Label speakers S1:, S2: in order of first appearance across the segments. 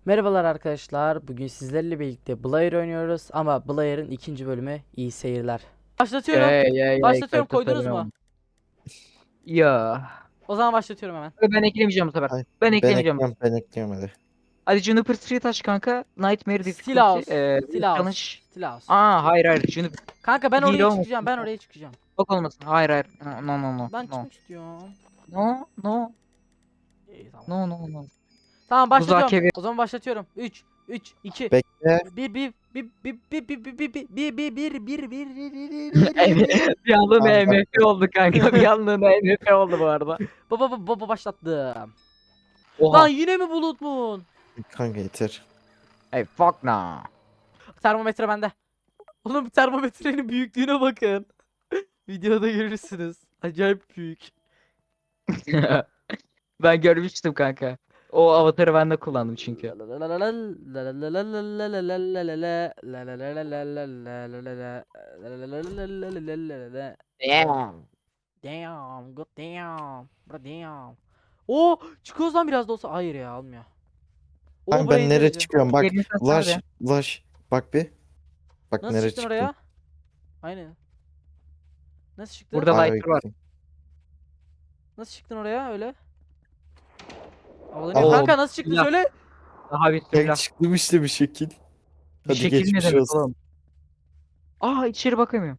S1: Merhabalar arkadaşlar. Bugün sizlerle birlikte Blair oynuyoruz ama Blair'ın ikinci bölümü iyi seyirler. Başlatıyorum. Başlatıyorum. Koydunuz mu?
S2: Ya.
S1: O zaman başlatıyorum hemen.
S2: Ben eklemeyeceğim bu sefer.
S3: Ay,
S2: Ben
S3: ben
S2: eklemeyeceğim.
S3: ekliyorum, ben ekliyorum hadi.
S2: Hadi Juniper Street aç kanka. Nightmare Difficulty.
S1: Stilaus. Stilaus.
S2: Challenge.
S1: Stilaus.
S2: Hayır hayır. Juniper
S1: Kanka ben
S2: değil
S1: oraya
S2: olmasın.
S1: çıkacağım. Ben oraya çıkacağım.
S2: Bak olmasın. Hayır hayır. No no no.
S1: Ben
S2: No.
S1: çıkmak istiyorum.
S2: No no.
S1: İyi tamam.
S2: No no no.
S1: Tamam başlatıyorum.
S2: Muzakere.
S1: O zaman başlatıyorum. 3 2
S3: Bekle.
S1: 1 1 1 1 1
S2: Bir anlığına
S3: Tamam,
S2: MF oldu kanka. Bir anlığına MF oldu bu arada.
S1: Baba başlattım.
S2: Oha.
S1: Lan yine mi Bulut Moon?
S3: Kanka yeter.
S2: Hey fuck nah.
S1: Termometre bende. Oğlum termometrenin büyüklüğüne bakın. Videoda görürsünüz. Acayip büyük.
S2: Ben görmüştüm kanka. O avatarı ben de kullandım çünkü. Damn.
S1: Damn, god damn. Bro damn. Oo, çıkıyoruz lan biraz da olsa. Hayır ya, almıyor. Oo,
S3: Kanka
S1: buraya
S3: ben nereye
S1: indireceğim.
S3: çıkıyorum bak.
S2: Yerini satsana
S3: Ulaş.
S2: be.
S3: Ulaş. Bak bir. Bak
S1: Nasıl
S3: nereye
S1: çıktın
S3: çıktım.
S1: oraya? Aynen. Nasıl çıktın?
S2: Burada
S3: Ay,
S2: lighter var.
S1: Nasıl çıktın oraya öyle? Havalanıyor.
S2: Oo,
S1: Kanka nasıl çıktın
S2: bismillah.
S1: söyle.
S2: Daha
S3: Ben
S2: bismillah.
S3: çıktım işte bir şekil.
S2: Bir
S3: Hadi
S2: şekil ne
S3: geçmiş
S2: demek
S3: olsun.
S2: oğlum? İçeri bakamıyorum.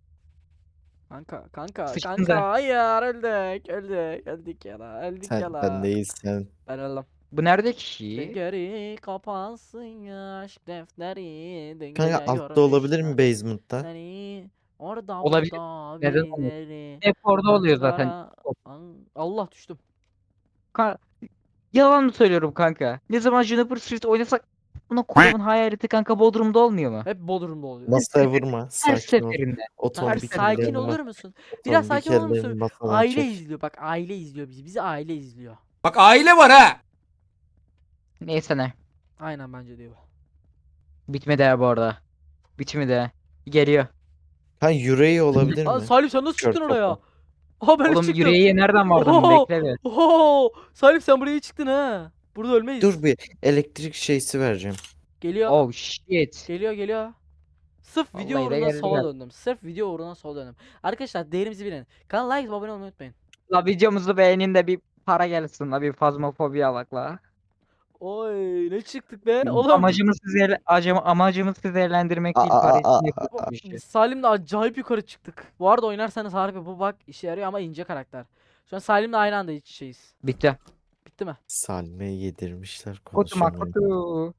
S1: Kanka,
S2: Sıçtın sen.
S1: hayır öldük ya la
S3: Sen değilsen.
S1: ben öldüm.
S2: Bu nerede ki?
S1: Geri kapansın aşk defteri dün
S3: Kanka
S1: gece
S3: altta olabilir mi
S1: görmüşler
S3: basement'ta?
S1: seni orada
S2: Olabilir.
S1: burada
S2: Neden olmasın?
S1: birileri
S2: Hep orada oluyor zaten.
S1: Allah düştüm.
S2: Ka- Yalan mı söylüyorum kanka? Ne zaman Juniper Street oynasak buna koyduğumun hayaleti kanka Bodrum'da olmuyor mu?
S1: Hep Bodrum'da oluyor.
S3: Masaya vurma.
S2: Her
S3: Sakin ol.
S2: seferinde.
S1: Kanka
S3: Otomatik
S2: seferinde
S1: sakin
S3: ellerini
S1: olur
S3: bas.
S1: musun? Biraz
S3: Otomatik
S1: sakin olur musun?
S3: ellerini masadan
S1: Aile
S3: çek.
S1: izliyor bak, aile izliyor bizi aile izliyor.
S4: Bak aile var ha.
S2: Neyse ne.
S1: Aynen bence diyor.
S2: Bitmedi ya bu arada. Bitmedi. Geliyor.
S3: Kanka yüreği olabilir
S1: Aa,
S3: mi?
S1: Salim sen nasıl
S3: Kör
S1: çıktın oraya?
S3: topu.
S1: Aha ben
S2: Oğlum
S1: çıktım.
S2: yüreğe nereden vardın?
S1: Oho!
S2: Bekle bir.
S1: Oho! Salim sen buraya çıktın ha. Burada ölmeyiz.
S3: Dur bir elektrik şeysi vereceğim.
S1: Geliyor.
S2: Oh shit.
S1: Geliyor. Sırf video
S2: Vallahi de
S1: uğruna
S2: geldi
S1: sola
S2: ya.
S1: döndüm. Sırf video uğruna sola döndüm. Arkadaşlar değerimizi bilin. Kanala like ve abone olmayı unutmayın.
S2: La videomuzu beğenin de bir para gelsin la bir fazmafobi alak la.
S1: Oy ne çıktık be oğlum.
S2: Amacımız sizi eğlendirmek değil
S3: Aa,
S2: para
S3: aa,
S2: için
S3: aa,
S2: yapıyoruz bu işi.
S1: Salim'le acayip yukarı çıktık. Bu arada oynarsanız harbi bu bak işe yarıyor ama ince karakter. Şu an Salim'le aynı anda iç içeyiz.
S2: Bitti.
S1: Bitti mi?
S3: Salme'ye yedirmişler
S2: Kutu
S3: konuşamıyor.
S2: kutu.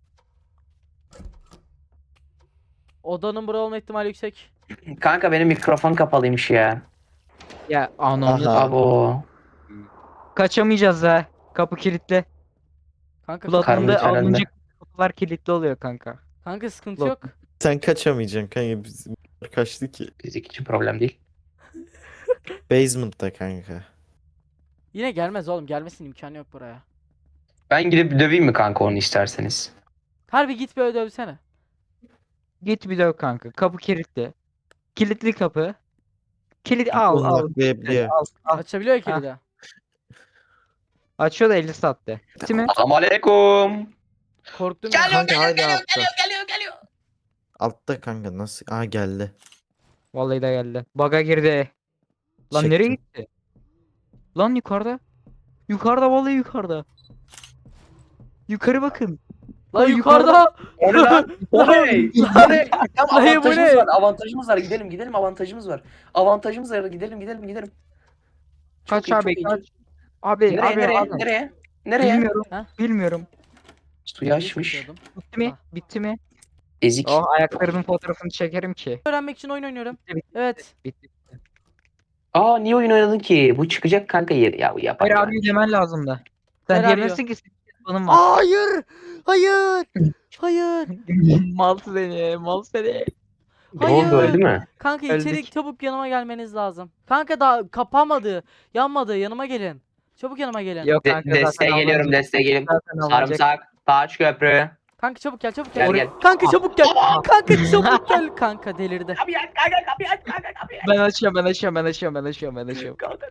S1: Odanın bura olma ihtimali yüksek.
S5: Kanka benim mikrofon kapalıymış ya.
S2: Ya anamız.
S3: Aha.
S5: Abo.
S2: Kaçamayacağız ha. Kapı kilitli.
S1: Kanka
S2: Bloodhound'da
S5: Karnı herhalde.
S2: alınca kapılar kilitli oluyor kanka.
S1: kanka sıkıntı
S2: Ulan.
S1: yok.
S3: Sen kaçamayacaksın kanka. Bizim kaçtı ki.
S5: Fizik için problem değil.
S3: Basement'ta kanka.
S1: Yine gelmez oğlum. Gelmesinin imkanı yok buraya.
S5: Ben gidip döveyim mi kanka onu isterseniz?
S1: Harbi git böyle dövsene.
S2: Git bir döv kanka. Kapı kilitli. Kilitli kapı. Kilit al
S3: Onu
S2: al.
S3: nakleyebiliyor.
S2: Al.
S1: Açabiliyor ya kilidi.
S2: Açıyor da 50 saatte. Bitti mi?
S5: Selamünaleyküm.
S1: Korktum ya.
S3: Kanka hala altta. Altta kanka nasıl? Aa geldi.
S2: Vallahi de geldi. Bug'a girdi. Lan
S3: Çektim.
S2: nereye gitti? Lan yukarıda. Yukarıda vallahi yukarıda. Yukarı bakın.
S1: Lan
S2: Lan
S1: yukarıda.
S5: O ne lan? O ne? O ne? Tamam,
S1: Hayır, bu
S5: avantajımız
S1: ne?
S5: var. Avantajımız var. Gidelim avantajımız var. Avantajımız var. Gidelim.
S2: Kaç
S5: Çok iyi,
S2: abi
S5: çok iyi,
S2: kaç.
S5: çok-
S2: Abi
S5: Nereye?
S2: abi.
S5: Nereye?
S2: Bilmiyorum.
S1: Ha?
S2: Bilmiyorum.
S5: Suyu açmış.
S1: Çekiyordum.
S2: Bitti mi?
S1: Ah.
S2: Bitti mi?
S5: Ezik.
S2: Oh ayaklarının fotoğrafını çekerim ki.
S1: Öğrenmek için oyun oynuyorum.
S2: Bitti, bitti,
S1: Evet.
S2: Bitti.
S5: Aa niye oyun oynadın ki? Bu çıkacak kanka yeri. Ya bu yapar
S2: Hayır
S5: ya.
S2: abi demen lazım da. Sen
S1: Helal
S2: diyemezsin ki senin canın var.
S1: Hayır. Hayır.
S2: Mal seni, mal seni.
S5: Ne oldu
S1: Hayır.
S5: öldü mü?
S1: Kanka
S2: Öldük.
S1: içeri çabuk yanıma gelmeniz lazım. Kanka daha kapamadı. Yanmadı. Yanıma gelin. Çabuk yanıma gelin.
S2: Yok kanka
S5: Desteğe
S2: zaten
S5: geliyorum
S2: alınacak.
S5: desteğe gelin.
S2: Zaten alınacak.
S5: Sarımsak. Taç köprü.
S1: Kanka çabuk gel.
S5: Gel.
S1: Kanka çabuk gel. Kanka çabuk gel. Kanka delirdi.
S5: Kapıyı aç kanka kapıyı aç.
S2: Ben açıyorum.
S5: Kanka kapıyı aç.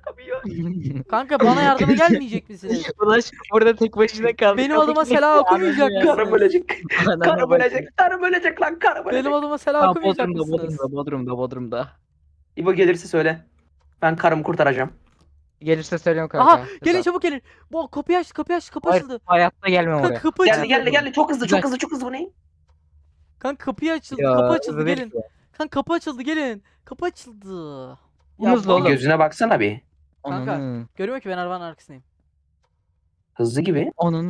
S1: Kanka bana yardıma gelmeyecek misiniz?
S2: Ulaş burada tek başına kaldı.
S1: Benim adıma selam okumayacak
S5: Karım
S1: mısınız?
S5: ölecek. Karım ölecek. Karım ölecek lan. Karım
S1: Benim
S5: ölecek.
S1: adıma selam okumayacak mısınız?
S2: Bodrum'da.
S5: İbo gelirse söyle. Ben karımı kurtaracağım.
S2: Gelirse söylüyorum kanka.
S1: Aha gelin çabuk gelin. Bu kapıyı aç kapı
S2: Hayır,
S1: açıldı.
S2: hayatta gelmem
S1: Kanka
S2: oraya.
S1: kapı açıldı.
S5: Geldi. Çok hızlı çok hızlı bu ne?
S1: Kanka kapıyı açıldı
S2: Ya,
S1: kapı açıldı
S2: hızlı değil
S1: gelin.
S2: ki.
S1: Kanka kapı açıldı gelin. Kapı açıldı.
S2: Hızlı
S1: bu-
S2: oğlum.
S5: Gözüne baksana bir.
S1: Kanka.
S2: Onun.
S1: Görüyor ki ben arabanın arkasındayım.
S5: Hızlı gibi.
S2: Onun.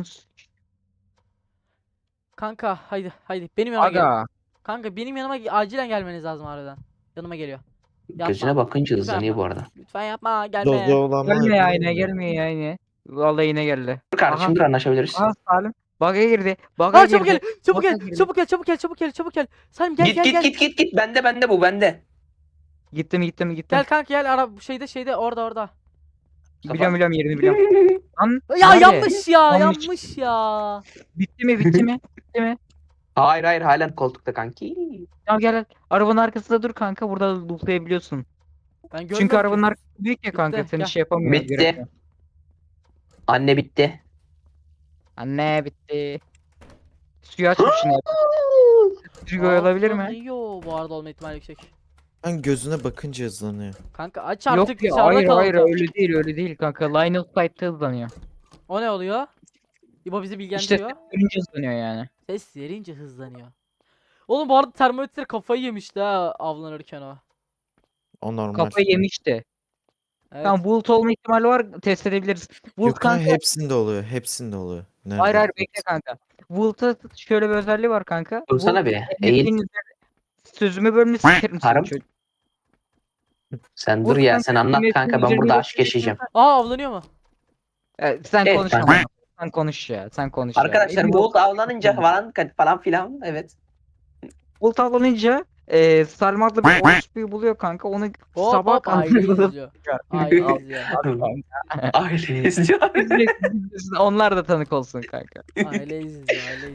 S1: Kanka haydi benim yanıma gelin.
S2: Aga.
S1: Kanka benim yanıma acilen gelmeniz lazım harbiden. Yanıma geliyor. Yapma.
S5: Gözüne bakınca
S1: Lütfen
S5: hızlanıyor bu
S1: yapma.
S5: arada.
S1: Lütfen yapma gelme.
S3: Dozo olan var
S2: Gelme ya
S3: mı?
S2: yine gelmiyor ya yine. Vallahi yine geldi.
S5: Dur kardeşim dur anlaşabiliriz.
S2: Aha Salim. Bug'a girdi. Bug'a
S1: Ha çabuk
S2: girdi.
S1: gel. Çabuk
S2: Bak,
S1: gel.
S2: girdi.
S1: Çabuk gel. Salim gel gel.
S5: Git. Bende bu bende.
S2: Gittim.
S1: Gel kanka gel ara şeyde orada.
S2: Biliyorum yerini biliyorum. Lan
S1: Ya
S2: nerede?
S1: yanlış ya
S2: Yanlış.
S1: yanlış ya.
S2: Bitti mi? Bitti mi?
S5: Hayır halen koltukta kanki.
S2: Gel. Arabanın arkasında dur kanka. Burada lootlayabiliyorsun.
S1: Ben görmüyorum
S2: Çünkü
S1: ki.
S2: arabanın arkası büyük ya kanka.
S1: Bitti,
S2: Seni
S1: gel.
S2: şey yapamıyor.
S5: Bitti.
S2: göremiyor.
S5: Anne bitti.
S2: Anne bitti. Suyu açmış yine. Suyu olabilir mi?
S1: Yo bu arada olma ihtimali yüksek.
S3: Ben gözüne bakınca hızlanıyor.
S1: Kanka aç artık
S2: Yok ya
S1: dışarıda
S2: hayır
S1: kalın.
S2: öyle değil kanka. Line of sight'ta hızlanıyor.
S1: O ne oluyor? İbo bizi bilgilendiriyor.
S2: İşte önce hızlanıyor yani.
S1: Ses verince hızlanıyor. Oğlum bu arada termometre kafayı yemişti ha avlanırken o.
S3: O normal.
S2: Kafayı yemişti.
S1: Evet.
S2: Tamam bulut olma ihtimali var test edebiliriz. Bulut
S3: Yok kanka
S2: kanka.
S3: hepsinde oluyor. Hepsinde oluyor. Nerede?
S2: Hayır bekle kanka. Bulut'a şöyle bir özelliği var kanka.
S5: Dursana
S2: Bulut,
S5: bir. Eğil.
S2: Sözümü bölümünü sikerim
S5: Karım.
S2: seni çocuk.
S5: Sen
S2: Bulut
S5: dur ya
S2: kanka,
S5: sen anlat
S2: yine
S5: kanka ben
S2: üzerine
S5: burada aşk
S2: bakıyorsun
S5: yaşayacağım.
S1: Aa avlanıyor mu?
S2: Sen
S5: Evet,
S2: konuş
S5: kanka.
S2: ama. Sen konuş ya. Sen konuş ya.
S5: Arkadaşlar
S2: Emin ol.
S5: Bolt avlanınca falan filan evet.
S2: Bulut avlanınca Salim adlı bir orospuyu buluyor kanka. Onu
S1: Hop
S2: sabah
S1: hop aile izliyor. Aile izliyor.
S5: Aile izliyor.
S2: Onlar da tanık olsun kanka.
S1: Aile izliyor.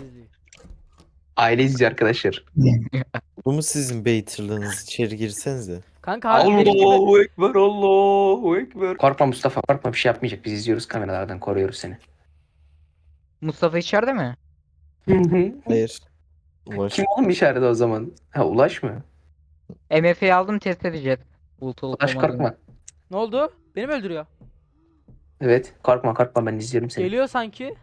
S5: Aile izliyor arkadaşlar.
S3: Bu mu sizin beytirlığınız? İçeri girsenize.
S1: Kanka harbi benim gibi.
S5: Allahu Ekber. Korkma Mustafa korkma bir şey yapmayacak. Biz izliyoruz kameralardan koruyoruz seni.
S2: Mustafa içeride mi?
S3: Hayır. Ulaş.
S5: Kim oğlum içeride o zaman? Ha Ulaş mı?
S2: MF'yi aldım test edeceğiz. Bulut olup
S5: Ulaş
S2: olmadığını.
S5: korkma.
S1: Ne oldu? Beni mi öldürüyor?
S5: Evet korkma ben izliyorum seni.
S1: Geliyor sanki.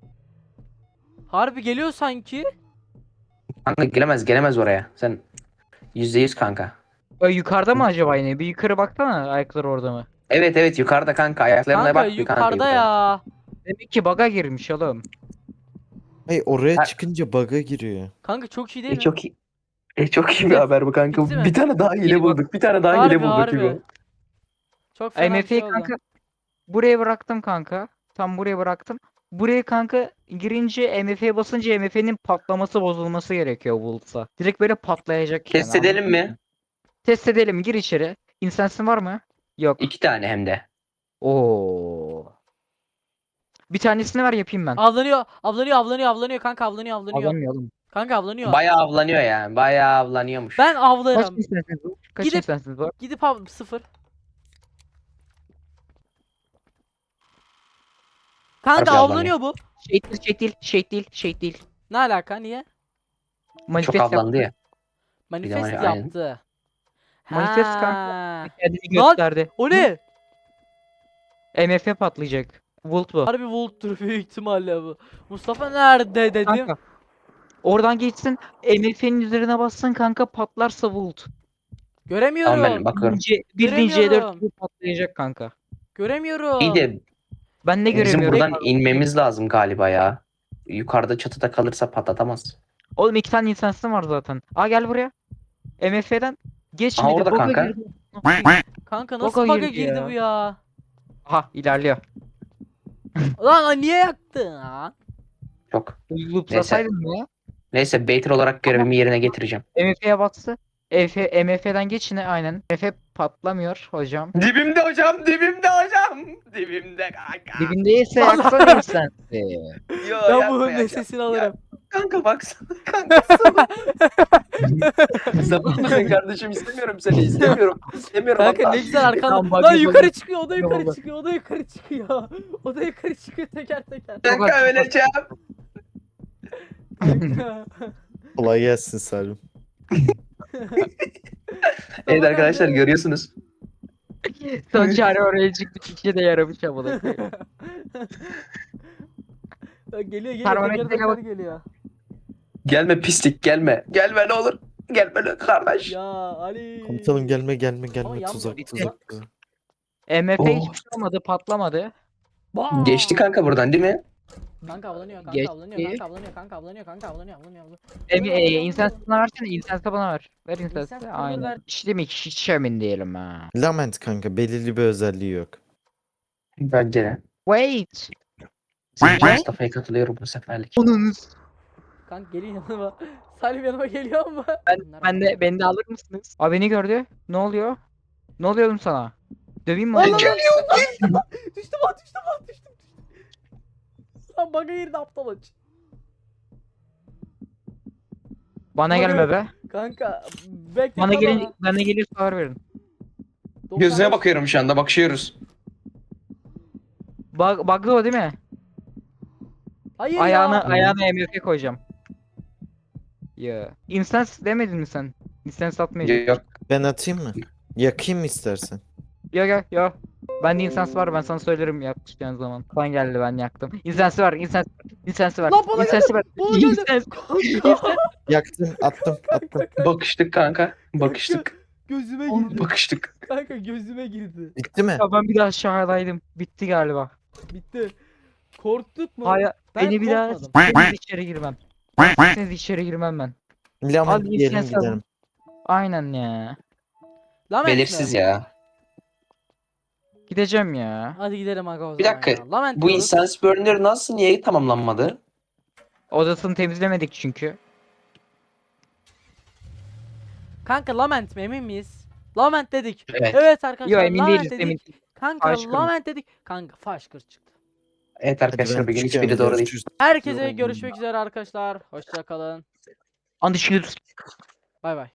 S1: Harbi geliyor sanki.
S5: Kanka gelemez oraya. Sen %100 kanka.
S2: Yukarıda mı acaba yine? Bir yukarı baksana ayakları orada mı?
S5: Evet yukarıda kanka ayaklarına
S1: Kanka
S5: bak bir kanka
S1: yukarıda ya.
S2: Demek ki bug'a girmiş oğlum.
S3: Hayır oraya
S5: Ha-
S3: çıkınca bug'a giriyor.
S1: Kanka çok iyi değil mi?
S5: Çok iyi. Çok iyi bir haber bu kanka.
S1: Bitti mi?
S5: Bir tane daha hile
S2: İyi bak.
S5: bulduk. Bir tane daha
S1: Harbi,
S5: hile bulduk
S1: harbi.
S5: gibi.
S1: Çok fena bir şey
S2: MF'yi
S1: oldu.
S2: kanka buraya bıraktım kanka. Tam buraya bıraktım. Buraya kanka girince MF'ye basınca MF'nin patlaması bozulması gerekiyor Bulut'sa. Direkt böyle patlayacak
S5: Test
S2: yani,
S5: edelim
S2: anladın
S5: mi?
S2: mı? Test edelim gir içeri. İnsensin var mı? Yok.
S5: 2 tane hem de.
S2: Oo. Bir tanesini ver yapayım ben.
S1: Avlanıyor kanka avlanıyor.
S2: Alamıyor oğlum.
S1: Kanka avlanıyor.
S5: Bayağı avlanıyor yani. Bayağı avlanıyormuş.
S1: Ben
S2: Kaç
S1: avlarım.
S2: insensiniz var? Kaç
S1: Gidip-
S2: insensiniz var?
S1: Gidip sıfır. Kanka
S5: Harbi
S1: avlanıyor bu.
S2: Şehit değil.
S1: Ne alaka niye?
S2: Manifest
S5: Çok avlandı
S2: yaptı.
S5: ya.
S1: Manifest
S5: var ya, aynen.
S1: yaptı.
S2: Manifest
S1: Ha.
S2: kanka. Kendini
S1: Lan,
S2: gösterdi.
S1: O ne?
S2: MF patlayacak. Volt bu.
S1: Harbi Volt'tur büyük ihtimalle bu. Mustafa nerede dedim.
S2: Kanka. Oradan geçsin. MF'nin üzerine bassın kanka patlarsa Volt.
S1: Göremiyorum.
S5: Tamam ben bakıyorum.
S2: Bildiğin
S1: Göremiyorum.
S2: C4 gibi patlayacak kanka.
S1: Göremiyorum.
S5: İyi de
S2: Ben ne
S5: bizim
S2: göremiyorum?
S5: buradan inmemiz lazım galiba ya. Yukarıda çatıda kalırsa patlatamaz.
S2: Oğlum 2 tane insansın var zaten. Gel buraya. MF'den geç
S5: Aa,
S2: şimdi.
S5: orada
S2: Bug'a
S5: kanka.
S2: girdi.
S1: Kanka nasıl
S2: Baka
S1: bug'a
S2: girdi
S1: girdi
S2: ya.
S1: bu ya?
S2: Aha ilerliyor.
S1: Lan niye yaktın ha?
S5: Çok.
S2: Loop'lasaydın mı ya?
S5: Neyse Baiter olarak görevimi yerine getireceğim.
S2: MF'ye bastı. MF'den geç yine aynen. MF patlamıyor hocam.
S5: Dibimde hocam. Dibimde kanka.
S2: Dibindeyse
S1: Allah
S2: yaksana insansı.
S5: Yo,
S1: Ben
S5: yapma
S1: bunun
S5: ya,
S1: nesesini alırım.
S5: kanka baksana kanka sana. Sapık mısın kardeşim? İstemiyorum seni. İstemiyorum
S1: Kanka
S5: Allah.
S1: ne güzel arkadan.
S2: Tamam, bak,
S1: Lan
S2: bak,
S1: yukarı
S2: bak.
S1: çıkıyor, o da
S2: Tamam,
S1: yukarı
S2: bak.
S1: çıkıyor, o da yukarı çıkıyor. O da yukarı çıkıyor teker teker.
S5: Kanka öleceğim.
S1: Kanka.
S3: Kolay gelsin Salim.
S5: Evet arkadaşlar görüyorsunuz.
S2: Son çare oraya çıktı. İşe de yaramış amına koyayım.
S1: Lan geliyor geliyor
S2: Termometreye
S1: teker teker
S2: bak.
S1: geliyor.
S5: Gelme pislik gelme. Gelme ne olur. Gelme ne kardeş.
S1: Ya Ali.
S3: Komutanım gelme
S1: Ama yan-
S3: tuzak
S1: yan-
S3: tuzak.
S2: MF
S5: Oh.
S2: hiçbir şey olmadı, patlamadı.
S1: Bam!
S5: Geçti kanka buradan değil mi?
S1: Kanka avlanıyor, kanka
S2: Geçti.
S1: avlanıyor, kanka avlanıyor, kanka avlanıyor, kanka avlanıyor, avlanıyor.
S2: İnsansı bana versene, insansı bana ver. Ver
S1: İnsansı
S2: insansı.
S1: bana
S2: Aynen.
S1: ver.
S2: İşte mi hiç emin değilim ha.
S3: Lament kanka belirli bir özelliği yok.
S5: Bence de.
S2: Wait.
S5: Mustafa'ya katılıyorum bu seferlik.
S2: Onunuz.
S1: Kanka geliyor yanıma. Salim yanıma geliyor mu?
S2: Beni de alır mısınız? Abi beni gördü. Ne oluyor? Ne oluyor oğlum sana? Döveyim mi?
S1: Lan
S2: onu?
S1: lan lan. Düştüm lan düştüm lan düştüm. Lan bana girdi aptal aç.
S2: Bana gelme be.
S1: Kanka bekle
S2: Bana gelir sağır verin.
S5: Gözüne bakıyorum şu anda bakışıyoruz.
S2: Bug'lı o değil mi?
S1: Hayır
S2: Ayağına MF koyacağım. Ya. Instance demedin mi sen? Instance atmayacağım.
S5: Yok.
S3: Ben atayım mı? Yakayım mı istersen?
S2: Yo. Bende instance var, ben sana söylerim yapacağın zaman. Kan geldi, ben yaktım. Instance var.
S1: Lan bana
S2: Instance var.
S1: bana geldi.
S2: Instance.
S3: Yaktım attım.
S5: Bakıştık kanka. Bakıştık.
S1: Gözüme girdi.
S5: Bakıştık.
S1: Kanka gözüme girdi.
S3: Bitti mi?
S2: Ya ben bir daha aşağıdaydım. Bitti galiba.
S1: Bitti. Korktuk mu?
S2: Hayır.
S1: Ben
S2: Beni bir daha
S1: korkmadım.
S2: siz içeri girmem. Siz içeri girmem ben.
S3: Lament
S2: Abi,
S3: diyelim
S2: instance
S3: gidelim.
S2: Aynen ya.
S1: Lament
S5: Belirsiz
S1: mi?
S5: ya.
S2: Gideceğim ya.
S1: Hadi gidelim aga o
S5: Bir
S1: zaman
S5: dakika,
S1: ya. Lament
S5: Bu
S1: diyoruz.
S5: instance burner nasıl niye tamamlanmadı?
S2: Odasını temizlemedik çünkü.
S1: Kanka lament mi emin miyiz? Lament dedik.
S5: Evet.
S1: Evet arkadaşlar
S2: Yo, emin
S1: lament
S2: değiliz,
S1: dedik.
S2: emin.
S1: Kanka
S2: Faşkır.
S1: lament dedik. Kanka faşkır çıktı.
S5: Evet
S3: Hadi
S5: arkadaşlar
S3: ben
S5: bugün
S3: çıkıyorum,
S5: hiçbiri doğru değil.
S3: görüşürüz.
S1: Herkese görüşmek üzere arkadaşlar. Hoşça kalın.
S2: Anlaşılır.
S1: Bay bay.